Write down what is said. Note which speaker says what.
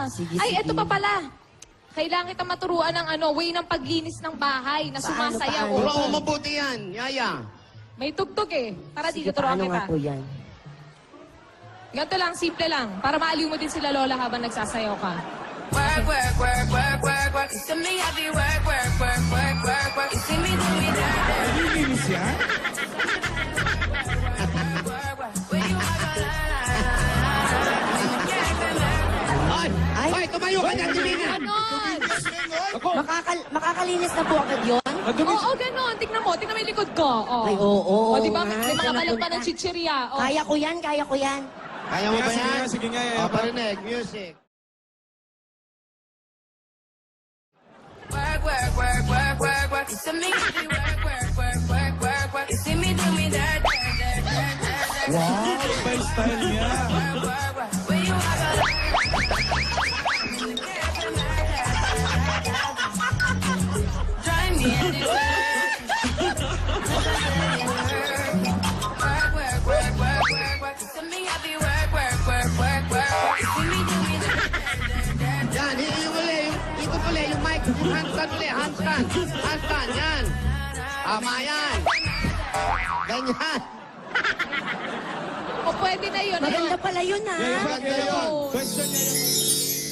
Speaker 1: Sige,
Speaker 2: Ay,
Speaker 1: sige.
Speaker 2: eto pa pala. Kailangan kita maturuan ng way ng paglinis ng bahay na
Speaker 1: Paano,
Speaker 2: sumasayaw.
Speaker 1: paano?
Speaker 3: Puro mo mabuti yan, Yaya.
Speaker 2: May tugtog eh. Tara
Speaker 1: Sige,
Speaker 2: dito, turuan
Speaker 1: paano
Speaker 2: kita.
Speaker 1: nga po yan?
Speaker 2: Ganito lang, simple lang. Para maaliw mo din sila lola habang nagsasayaw ka.
Speaker 4: Work, work, work, work, work, work. You see me, I be work, work, work, work, work, work. You see me do me that, that.
Speaker 5: Nililinis yan?
Speaker 4: Where you are,
Speaker 3: Ay!
Speaker 1: Ay.
Speaker 3: Ay, tumayo ka dyan, Divina!
Speaker 2: Ganon!
Speaker 5: Ako,
Speaker 1: Makakalinis na po agad yun?
Speaker 5: madumi.
Speaker 2: Oo, ganon. Tignan mo yung likod ko. Oh.
Speaker 1: Ay, oo.
Speaker 2: O, di ba?
Speaker 1: nga,
Speaker 2: May mga
Speaker 1: saan
Speaker 2: balat pa
Speaker 1: napunta?
Speaker 2: ng chichirya. Oh.
Speaker 1: Kaya ko yan, kaya ko yan.
Speaker 3: Kaya mo ba
Speaker 5: Sige
Speaker 3: yan?
Speaker 5: nga, sige nga, Yaya.
Speaker 3: O, parinig, music.
Speaker 4: work, work, work, work, work, work. You see me, I be work, work, work, work, work, work. You see me do me that, that, that, that, that, that.
Speaker 5: Wow, style niya.
Speaker 4: Work, work, work. Where you are, drive me anywhere. Work, work, work, work, work, work. You see me, I be work, work, work, work, work. You see me do me that, that, that, that.
Speaker 3: Yan, yung uli, yung uli, yung mic, yung handstand uli, handstand. Handstand, yan. Tama yan. Ganyan.
Speaker 2: O, pwede na yun.
Speaker 1: Maganda pala yun, ha?
Speaker 5: Yaya,
Speaker 3: Maganda yun.
Speaker 5: question, Yaya.